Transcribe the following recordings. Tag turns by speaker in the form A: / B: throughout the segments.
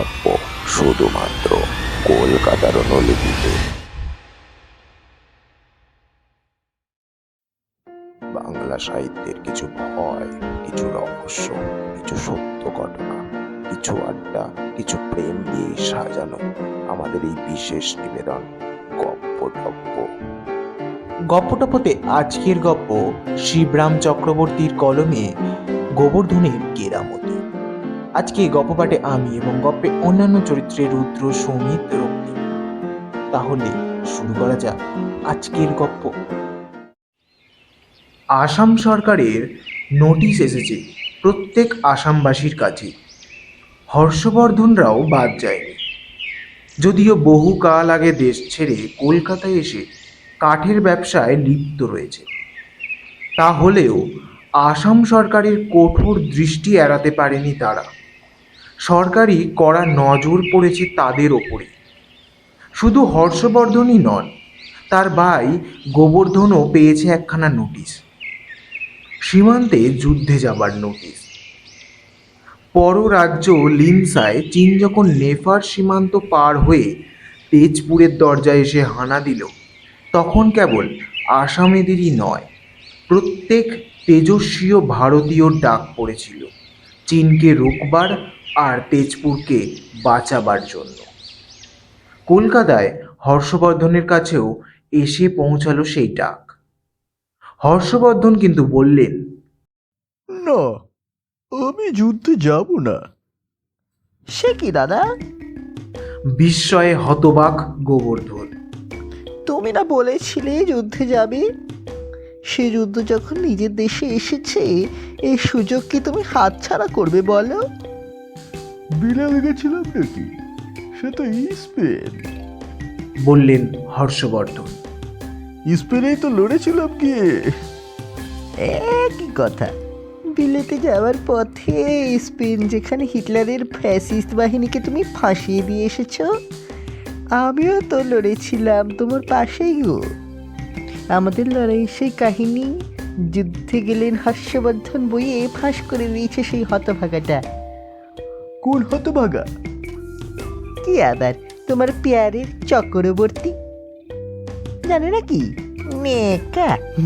A: টপ্প শুধুমাত্র কলকাতার অনুলিপিতে। বাংলা সাহিত্যের কিছু ভয়, কিছু রহস্য, কিছু সত্য ঘটনা, কিছু আড্ডা, কিছু প্রেম দিয়ে সাজানো আমাদের এই বিশেষ নিবেদন গপ্প টপ্প।
B: গপ্পটপ্পতে আজকের গপ্প শিবরাম চক্রবর্তীর কলমে গোবর্ধনের কেরামতি। আজকে গপ্প পাঠে আমি এবং গপ্পে অন্যান্য চরিত্রে রুদ্র, সৌমিত, রক্তিম। তাহলে শুরু করা যাক আজকের গপ্প। আসাম সরকারের নোটিশ এসেছে প্রত্যেক আসামবাসীর কাছে। হর্ষবর্ধনরাও বাদ যায়নি। যদিও বহুকাল আগে দেশ ছেড়ে কলকাতায় এসে কাঠের ব্যবসায় লিপ্ত রয়েছে, তাহলেও আসাম সরকারের কঠোর দৃষ্টি এড়াতে পারেনি তারা। সরকারি কড়া নজর পড়েছে তাদের ওপরে। শুধু হর্ষবর্ধনই নন, তার ভাই গোবর্ধনও পেয়েছে একখানা নোটিশ, সীমান্তে যুদ্ধে যাবার নোটিশ। পররাজ্য লিনসায় চীন যখন নেফার সীমান্ত পার হয়ে তেজপুরের দরজায় এসে হানা দিল, তখন কেবল আসামেদেরই নয়, প্রত্যেক তেজস্বী ভারতীয়র ডাক পড়েছিল চীনকে রুখবার আর তেজপুরকে বাঁচাবার জন্য। কলকাতায় হর্ষবর্ধনের কাছেও এসে পৌঁছালো সেই ডাক। হর্ষবর্ধন কিন্তু বললেন,
C: না, আমি যুদ্ধে যাব না।
D: সে কি দাদা?
B: বিস্ময়ে হতবাক গোবর্ধন।
D: তুমি না বলেছিলে যুদ্ধে যাবে? সে যুদ্ধ যখন নিজের দেশে এসেছে, এই সুযোগ কি তুমি হাতছাড়া করবে বলো?
C: বিলাল গেছিলাম নাকি? সে তো স্পেন।
B: বললেন হর্ষবর্ধন।
C: স্পেনেই তো লড়েছিলাম গিয়ে।
D: একই কথা। বিলেতে যাওয়ার পথে স্পেন যেখানে হিটলারের ফ্যাসিস্ট বাহিনীকে তুমি ফাঁসিয়ে দিয়ে এসেছো, আমিও তো লড়েছিলাম তোমার পাশেই গো। আমাদের লড়াই সেই কাহিনী যুদ্ধে গেলেন হর্ষবর্ধন বইয়ে ফাঁস করে দিয়েছে সেই হতভাগাটা।
C: কোন হতভাগা?
D: কি আবার তোমার পেয়ারের চক্রবর্তী, জানে নাকি? মেকা।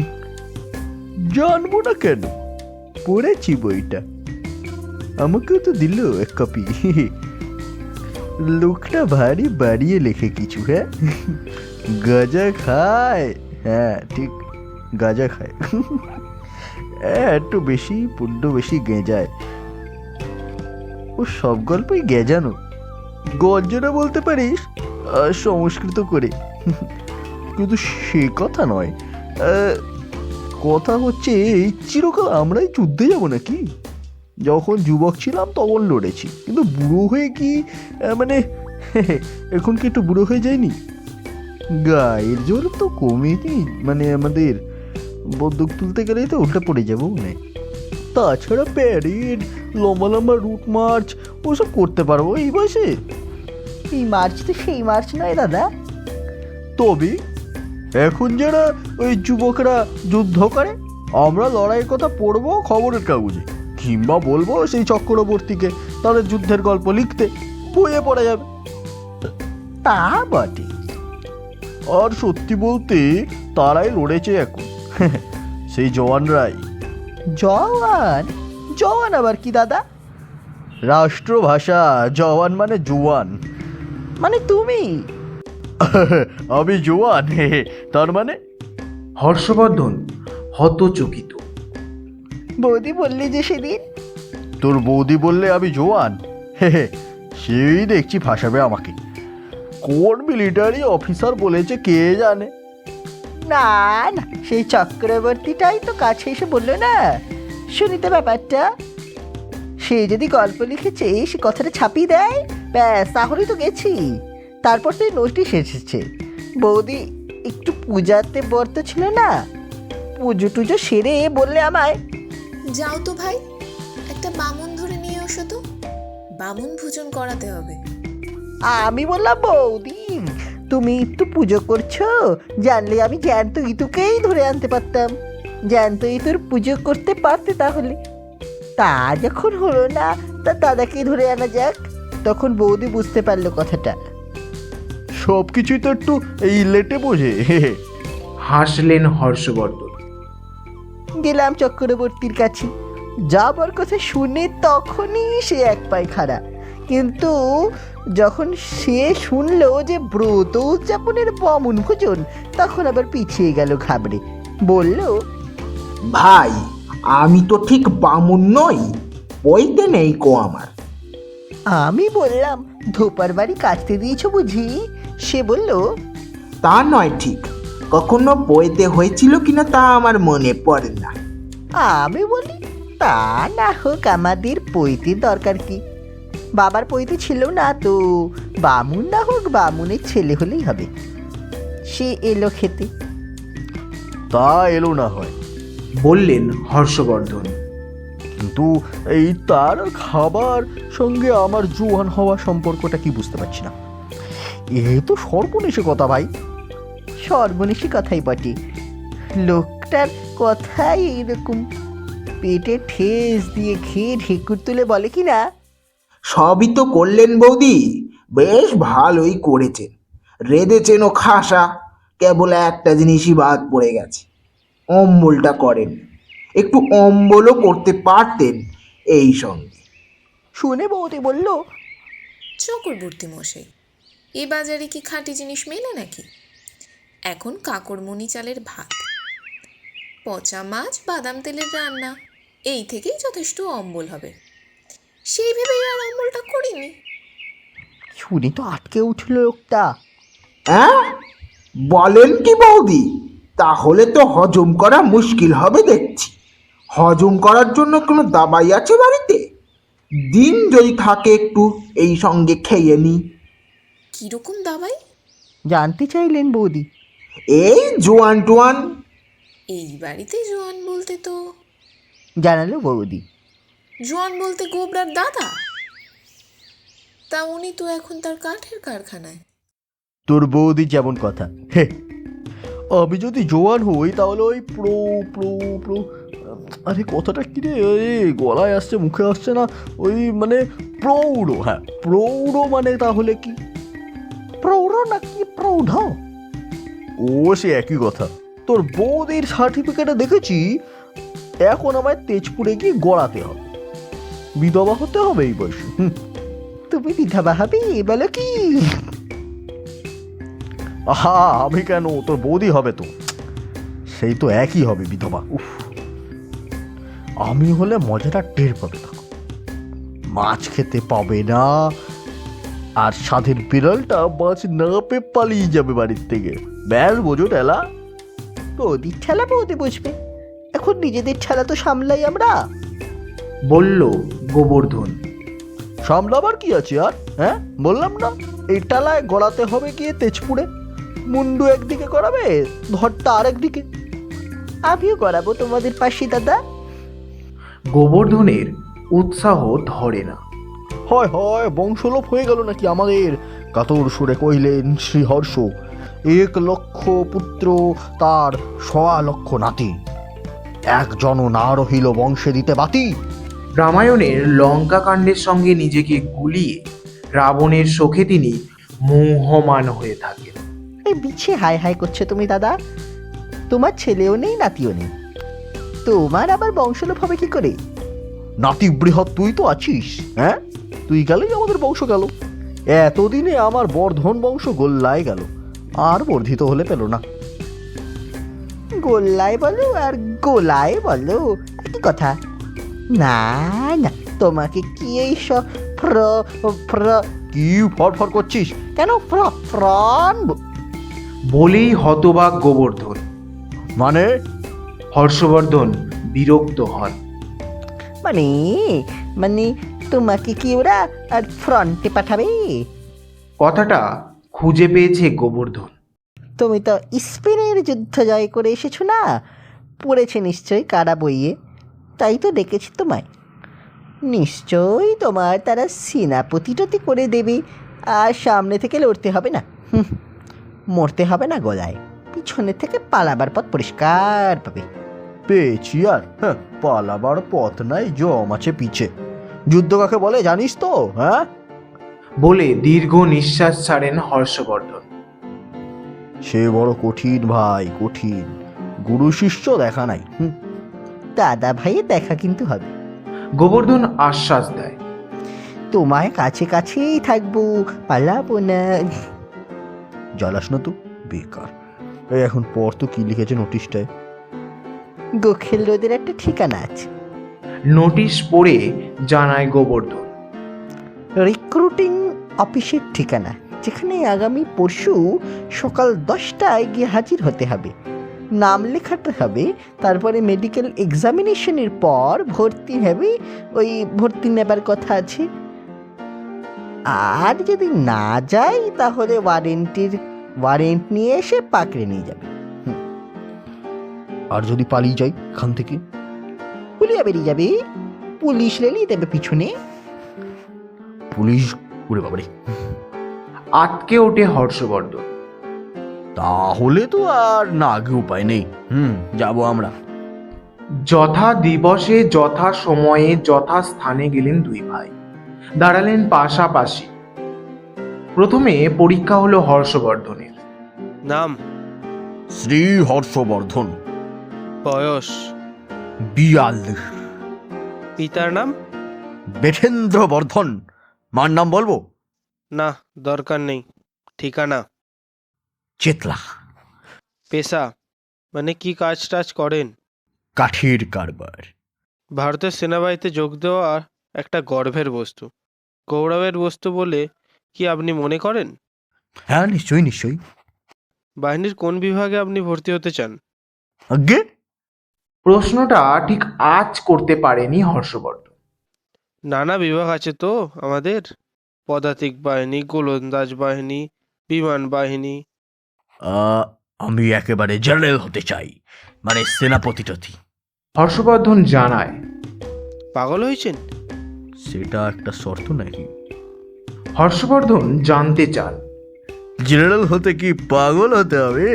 C: জানবো না কেন, পড়েছি বইটা। আমাকেও তো দিল এক কপি। লোকটা ভারী বাড়িয়ে লেখে কিছু। হ্যাঁ, গাঁজা খায়। হ্যাঁ ঠিক, গাঁজা খায়। একটু বেশি পুড্ড বেশি গেঁজায়। ও সব গল্পই গেজানো। গঞ্জনা বলতে পারিস সংস্কৃত করে। কিন্তু সে কথা নয়। কথা হচ্ছে এই চিরকাল আমরাই যুদ্ধে যাব নাকি? যখন যুবক ছিলাম তখন লড়েছি, কিন্তু বুড়ো হয়ে কি মানে এখন কি একটু বুড়ো হয়ে যায়নি? গায়ের জোর তো কমেনি, মানে আমাদের বন্দুক তুলতে গেলেই তো উল্টা পড়ে যাবো মানে। তাছাড়া প্যারেড, লম্বা লম্বা রুট মার্চ ওসব করতে পারবো এই বয়সে।
D: এই মার্চ তো সেই মার্চ নয় দাদা।
C: তবে এখন যারা ওই যুবকরা যুদ্ধ করে, আমরা লড়াইয়ের কথা পড়বো খবরের কাগজে, কিংবা বলবো সেই চক্রবর্তীকে তাদের যুদ্ধের গল্প লিখতে, বইয়ে পড়া যাবে।
D: তা বটে।
C: আর সত্যি বলতে তারাই লড়েছে এখন। সেই জওয়ানরাই।
D: জওয়ান? জওয়ান আবার কি দাদা?
C: রাষ্ট্রভাষা, জওয়ান মানে জোয়ান।
D: মানে তুমি?
C: আমি জোয়ান, তার মানে?
B: হর্ষবর্ধন হতচকিত।
D: বৌদি বললি যে সেদিন।
C: তোর বৌদি বললে আমি জোয়ান? সেই দেখছি ফাঁসাবে আমাকে। কোন মিলিটারি অফিসার বলেছে কে জানে।
D: না না, সেই চক্রবর্তীটাই তো কাছে এসে বললো না। শুনিতে ব্যাপারটা। সে যদি গল্প লিখেছে, সে কথাটা ছাপিয়ে দেয়, ব্যাস তাহলেই তো গেছি। তারপর তো নোটিশ এসেছে। বৌদি একটু পূজাতে বর্ত ছিল না, পুজো টুজো সেরে বললে আমায়,
E: যাও তো ভাই, একটা বামুন ধরে নিয়ে এসো তো, বামুন ভোজন করাতে হবে।
D: আমি বললাম বৌদি তুমি একটু পুজো করছো, জানলে আমি জ্যান্ত ইতুকেই ধরে আনতে পারতাম। জ্যান্ত ইতুর পুজো করতে পারতে তাহলে। তা যখন হলো না, তা দাদাকেই ধরে আনা যাক। তখন বৌদি বুঝতে পারলো কথাটা।
C: সব কিছুই তো একটু এই লেটে বোঝে।
B: হাসলেন হর্ষবর্ধন।
D: গেলাম চক্রবর্তীর কাছে, যাবার কথা শুনে তখনই সে এক পায়ে খাড়া। কিন্তু যখন সে শুনলো যে ব্রত উদযাপনের বামুন ভোজন, তখন আবার পিছিয়ে গেল ঘাবড়ে। বলল,
F: ভাই, আমি তো ঠিক বামুন নই, বইতে নেই কো আমার।
D: আমি বললাম, ধোপার বাড়ি কাটতে দিয়েছো বুঝি? সে বলল,
F: তা নয় ঠিক, কখনো বইতে হয়েছিল কিনা তা আমার মনে পড়ে না।
D: আমি বলি, তা না হোক, আমাদের পৈতের দরকার কি? বাবার পৈতে ছিল না তো, বামুন না হোক, বামুনের ছেলে হলেই হবে। সে এলো খেতে।
C: তা এলো না হয়,
B: বললেন হর্ষবর্ধন।
C: কিন্তু এই তার খাবার সঙ্গে আমার জোয়ান হওয়া সম্পর্কটা কি বুঝতে পারছি না। এ তো সর্বনেশে কথা ভাই।
D: সর্বনেশী কথাই বটে, লোকটার কথাই এইরকম। পেটে ঠেস দিয়ে খেয়ে ঢেকুর তুলে বলে কি না,
F: সবই তো করলেন বৌদি, বেশ ভালোই করেছেন। রেঁধেছেন ও খাসা, কেবল একটা জিনিসই বাদ পড়ে গেছে, অম্বলটা করেন। একটু অম্বলও করতে পারতেন এই সঙ্গে।
D: শুনে বৌদি বলল,
E: চক্রবর্তী মশাই, এ বাজারে কি খাঁটি জিনিস মেলে নাকি? এখন কাকরমণি চালের ভাত, পচা মাছ, বাদাম তেলের রান্না, এই থেকেই যথেষ্ট অম্বল হবে। সেই ভেবেই আর অম্বলটা করিনি।
D: শুনে তো আটকে উঠল লোকটা।
F: হ্যাঁ, বলেন কি বৌদি? তাহলে তো হজম করা মুশকিল হবে দেখছি। হজম করার জন্য কোনো দাবাই আছে বাড়িতে? দিন যদি থাকে একটু এই সঙ্গে খেয়ে নি।
E: কিরকম দাবাই?
D: জানতে চাইলেন বৌদি।
F: এই জোয়ান টোয়ান।
E: এই বাড়িতে জোয়ান বলতে তো,
D: জানালো বৌদি।
E: জোয়ান বলতে গোবরার দাদা। তা উনি তো এখন তার কাঠের কারখানায়।
C: তোর বৌদি যেমন কথা। হে, আমি যদি জোয়ান হই তাহলে ওই প্রো প্রো প্রো, আরে কথাটা কি রে, গলায় আসছে মুখে আসছে না, ওই মানে প্রৌঢ়। হ্যাঁ, প্রৌঢ় মানে তাহলে কি?
D: প্রৌঢ় নাকি প্রৌঢ়?
C: ও সে একই কথা। তোর বৌদির সার্টিফিকেটে দেখেছি এখন আমায় তেজপুরে গিয়ে গড়াতে হবে, বিধবা হতে হবে এই বয়সে।
D: তুমি বিধবা হবে বলো কি?
C: আহা, আমি কেন, তোর বৌদি হবে তো, সেই তো একই হবে বিধবা। উফ, আমি হলে মজাটা টের পাবে তখন। মাছ খেতে পাবে না, আর সাধের বিড়ালটা মাছ না পেয়ে পালিয়ে যাবে বাড়ির থেকে। ব্যাস বোঝো টেলা।
D: বৌদির ঠেলা বৌদি বুঝবে, এখন নিজেদের ঠেলা তো সামলাই আমরা।
B: বলল গোবর্ধন।
C: সামলাবার কি আছে আর? হ্যাঁ, বললাম না এই টালায় গড়াতে হবে গিয়ে তেজপুরে। মুন্ডু একদিকে করাবে, ধরটা আরেকদিকে।
D: আমিও করাবো তোমাদের পাশে দাদা।
B: গোবর্ধনের উৎসাহ ধরে না।
C: হয় হয়, বংশলোপ হয়ে গেল নাকি আমাদের? কাতর সুরে কহিলেন শ্রীহর্ষ। 1,00,000 পুত্র, তার 1,00,000 নাতি, একজন না রহিল বংশে দিতে বাতি।
B: রামায়ণের লঙ্কা কাণ্ডের সঙ্গে নিজেকে গুলিয়ে রাবণের শোকে তিনি মোহমান হয়ে থাকেন।
D: এই বিছে হাই হাই করছো তুমি দাদা? তোমার ছেলেও নেই, নাতিও নেই, তোমার আবার বংশলোপ হবে কি করে?
C: নাতি বৃহৎ তুই তো আছিস। হ্যাঁ, তুই গেলেই আমাদের বংশ গেল। এতদিনে আমার বর্ধন বংশ গোল্লায় গেল, আর বর্ধিত হলে পেল না।
D: গোল্লায় বলো আর গোলায় বলো, একই কথা। না না, তোমাকে কি এই সব
C: কি ফরফর করছিস?
D: কেন ফ্রন
B: বলেই হতবাক গোবর্ধন।
C: মানে?
B: হর্ষবর্ধন বিরক্ত হন।
D: মানে মানে তোমাকে কি ওরা আর ফ্রন্টে পাঠাবে?
B: কথাটা খুঁজে পেয়েছে গোবর্ধন।
D: তুমি তো স্পেনের যুদ্ধ জয় করে এসেছো না, পড়েছে নিশ্চয়ই কারা বইয়ে, তাই তো ডেকেছি তোমায়। নিশ্চয়ই তোমার তারা সেনাপতিটতি করে দেবে, আর সামনে থেকে লড়তে হবে না, মরতে হবে না গলায়, পিছনে থেকে পালাবার পথ পরিষ্কার পাবে।
C: পেয়েছি আর? হ্যাঁ, পালাবার পথ নাই, জম আছে পিছে। যুদ্ধ কাকে বলে জানিস তো? হ্যাঁ,
B: বলে দীর্ঘ নিঃশ্বাস ছাড়েন হর্ষবর্ধন।
C: সে বড় কঠিন ভাই, কঠিন। গুরু শিষ্য দেখা নাই।
D: দাদা ভাইয়ের দেখা কিন্তু হবে।
B: গোবর্ধন আশ্বাস দেয়।
D: তোমার কাছে কাছেই থাকবো, পালাবো না।
C: জ্বালাস না তো, বেকার। এই এখন পর তো কি লিখেছে নোটিশটায়?
D: গোখেল রোদের একটা ঠিকানা আছে।
B: নোটিশ পড়ে জানায় গোবর্ধন।
D: রিক্রুটিং অফিসের ঠিকানা, যেখানে আগামী পরশু সকাল 10টায় গিয়ে হাজির হতে হবে। নাম লেখাতে হবে, তারপরে মেডিকেল এক্সামিনেশনের পর ভর্তি হবে। ওই ভর্তি নেবার কথা আছে। আর যদি না যাই তাহলে ওয়ারেন্ট নিয়ে এসে পাকড়ে নিয়ে যাবে।
C: আর যদি পালিয়ে যাই এখান থেকে?
D: পুলিয়া বেরিয়ে যাবে, পুলিশ রেলিয়ে দেবে পিছনে।
C: পুলিশ? ওরে বাবারে!
B: আটকে ওঠে হর্ষবর্ধন।
C: তাহলে তো আর না আগে উপায় নেই। যাবো আমরা।
B: যথা দিবসে যথা সময়ে যথা স্থানে গেলেন দুই ভাই, দাঁড়ালেন পাশাপাশি। প্রথমে পরীক্ষা হলো হর্ষবর্ধনের।
G: নাম?
C: শ্রী হর্ষবর্ধন।
G: বয়স?
C: 42।
G: পিতার নাম?
C: বেঠেন্দ্র বর্ধন। মার নাম বলবো?
G: না, দরকার নেই। ঠিকানা?
C: চেতলা।
G: পেশা মানে কি কাজ টাজ করেন?
C: কাঠের কারবার।
G: ভারতের সেনাবাহিনীতে যোগ দেওয়া একটা গর্বের বস্তু, গৌরবের বস্তু বলে কি আপনি মনে করেন?
C: হ্যাঁ, নিশ্চয়ই নিশ্চয়ই।
G: বাহিনীর কোন বিভাগে আপনি ভর্তি হতে চান?
C: আজ্ঞে?
B: প্রশ্নটা ঠিক আজ করতে পারেনি হর্ষবর্ধন।
G: নানা বিভাগ আছে তো আমাদের। পদাতিক বাহিনী, গোলন্দাজ বাহিনী, বিমান বাহিনী।
C: আমি একেবারে জেনারেল হতে চাই, মানে সেনাপতি টতি।
B: হর্ষবর্ধন জানায়।
G: পাগল হয়েছেন?
C: সেটা একটা শর্ত নাকি?
B: হর্ষবর্ধন জানতে চান।
C: জেনারেল হতে কি পাগল হতে হবে?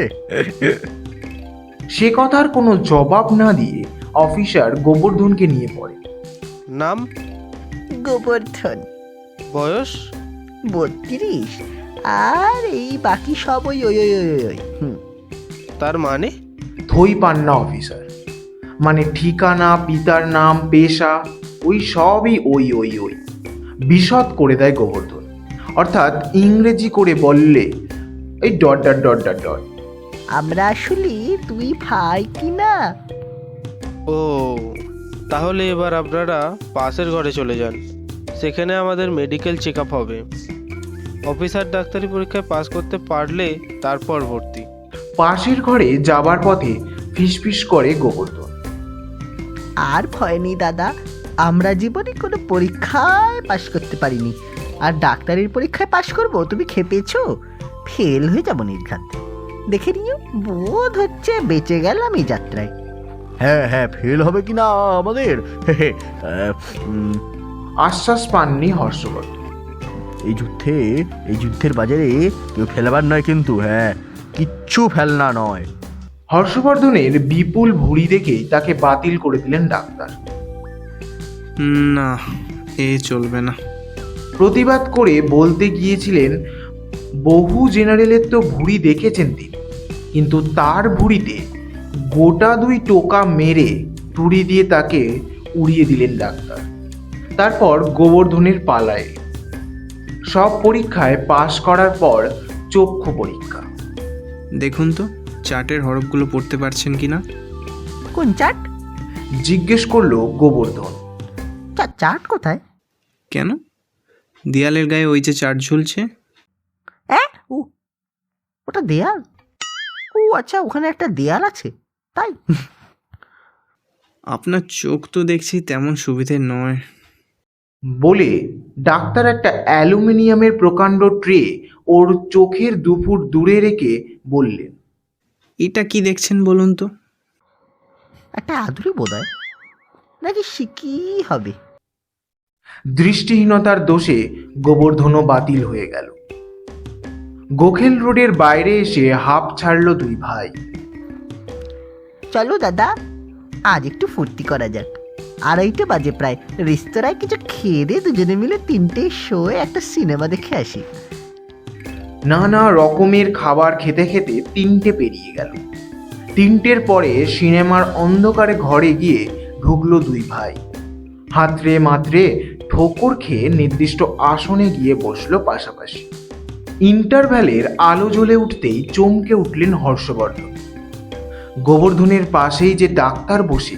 B: সে কথার কোনো জবাব না দিয়ে অফিসার গোবর্ধনকে নিয়ে পড়ে।
G: নাম?
D: গোবর্ধন।
G: বয়স?
D: 32। আর এই বাকি সব ওই ওই ওই ওই ওই।
G: তার মানে?
B: থই পান না অফিসার। মানে ঠিকানা, পিতার নাম, পেশা, ওই সবই ওই ওই ওই বিশদ করে দেয় গোবর্ধন। অর্থাৎ ইংরেজি করে বললে এই dot dot dot dot dot.
D: আমরা আসলে তুই ভাই কি না?
G: ও, তাহলে এবার আপনারা পাশের ঘরে চলে যান। সেখানে আমাদের মেডিকেল চেক আপ হবে। অফিসার ডাক্তারি পরীক্ষায় পাস করতে পারলে তারপর ভর্তি।
B: পাশের ঘরে যাবার পথে ফিসফিস করে গোবর্ধন।
D: আর ভয় নেই দাদা, আমরা জীবনে কোনো পরীক্ষায় পাশ করতে পারিনি, আর ডাক্তারির পরীক্ষায় পাশ করব তুমি খেপেছো? ফেল হয়ে যাবো নির্ঘাত। দেখে নিও, বোধ হচ্ছে বেঁচে গেলাম এই যাত্রায়।
C: হ্যাঁ হ্যাঁ, ফেল হবে কিনা আমাদের?
B: আশ্বাস পাননি হর্ষবর্ধন।
C: এই যুদ্ধের বাজারে কেউ ফেলবার নয় কিন্তু। হ্যাঁ, কিচ্ছু ফেলনা নয়।
B: হর্ষবর্ধনের বিপুল ভুঁড়ি দেখেই তাকে বাতিল করে দিলেন ডাক্তার।
H: না, এ চলবে না।
B: প্রতিবাদ করে বলতে গিয়েছিলেন বহু জেনারেলের তো ভুঁড়ি দেখেছেন তিনি, কিন্তু তার ভুঁড়িতে গোটা 2 টোকা মেরে তুড়ি দিয়ে তাকে উড়িয়ে দিলেন ডাক্তার। তারপর গোবর্ধনের পালায়। সব পরীক্ষায় পাশ করার পর চক্ষু পরীক্ষা।
H: দেখুন তো চার্টের হরফগুলো পড়তে পারছেন কিনা।
D: কোন চাট?
B: জিজ্ঞেস করলো গোবর্ধন।
D: চাট কোথায়?
H: কেন? দেয়ালের গায়ে ওই যে চার্ট ঝুলছে।
D: ও, ওটা দেয়াল? ও আচ্ছা, ওখানে একটা দেয়াল আছে তাই।
H: আপনার চোখ তো দেখছি তেমন সুবিধের নয়।
B: বলে ডাক্তার একটা অ্যালুমিনিয়ামের প্রকাণ্ড ট্রে ওর চোখের 2 ফুট দূরে রেখে বললেন,
H: এটা কি দেখছেন বলুন তো।
D: একটা আদুরি বোধহয়, নাকি শিকি হবে।
B: দৃষ্টিহীনতার দোষে গোবর্ধনও বাতিল হয়ে গেল। গোখেল রোডের বাইরে এসে হাঁপ ছাড়ল 2 ভাই।
D: চলো দাদা, আজ একটু ফুর্তি করা যাক। 2:30 বাজে প্রায়। রেস্তোরাঁয় কিছু খেয়ে দিয়ে দুজনে মিলে 3টে শোয়ে একটা সিনেমা দেখে আসি।
B: নানা রকমের খাবার খেতে খেতে 3টে পেরিয়ে গেল। 3টের পরে সিনেমার অন্ধকারে ঘরে গিয়ে ঢুকলো দুই ভাই। হাতড়ে মাত্রে ঠোকর খেয়ে নির্দিষ্ট আসনে গিয়ে বসলো পাশাপাশি। ইন্টারভ্যালের আলো জ্বলে উঠতেই চমকে উঠলেন হর্ষবর্ধন। গোবর্ধনের পাশেই যে ডাক্তার বসে,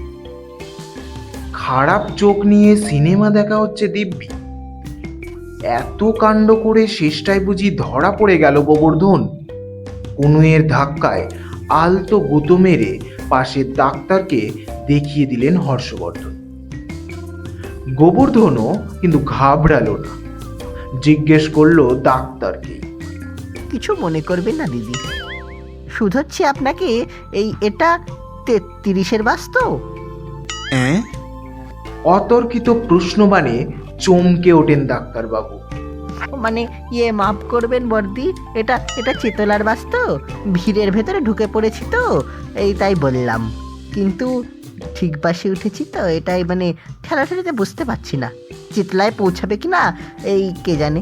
B: খারাপ চোখ নিয়ে সিনেমা দেখা হচ্ছে দিব্যি। এত কাণ্ড করে শেষটায় বুঝি ধরা পড়ে গেল গোবর্ধন। কনুয়ের ধাক্কায় আলতো গুঁতো মেরে পাশের ডাক্তারকে দেখিয়ে দিলেন হর্ষবর্ধন। গোবর্ধনও কিন্তু ঘাবড়ালো না, জিজ্ঞেস করলো ডাক্তারকে,
D: কিছু মনে করবেন না দিদি, শুধোচ্ছি আপনাকে। এটা 33-এর বাস তো?
H: হ্যাঁ?
B: অতর্কিত প্রশ্নবাণে চমকে ওঠেন ডাক্তারবাবু।
D: মানে মাফ করবেন বর্দি, এটা চেতলার বাস তো, ভিড়ের ভেতরে ঢুকে পড়েছি তো, তাই বললাম। কিন্তু ঠিক বাসে উঠেছি তো, এটাই মানে ঠেলাঠেলিতে বুঝতে পারছি না চেতলায় পৌঁছাবে কি না, কে জানে।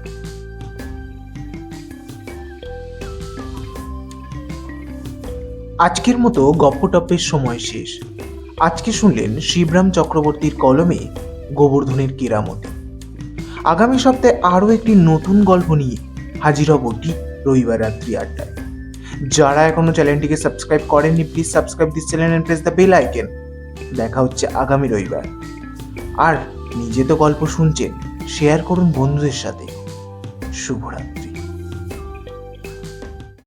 B: আজকের মতো গপ্পটপ্পের সময় শেষ। আজকে শুনলেন শিবরাম চক্রবর্তীর কলমে গোবর্ধনের কেরামতি। আগামী সপ্তাহে আরও একটি নতুন গল্প নিয়ে হাজির হব ঠিক রবিবার রাত্রি 8টায়। যারা এখনো চ্যানেলটিকে সাবস্ক্রাইব করেননি, please subscribe this channel and press the bell icon. দেখা হচ্ছে আগামী রবিবার। আর নিজে তো গল্প শুনছেন, শেয়ার করুন বন্ধুদের সাথে। শুভরাত্রি।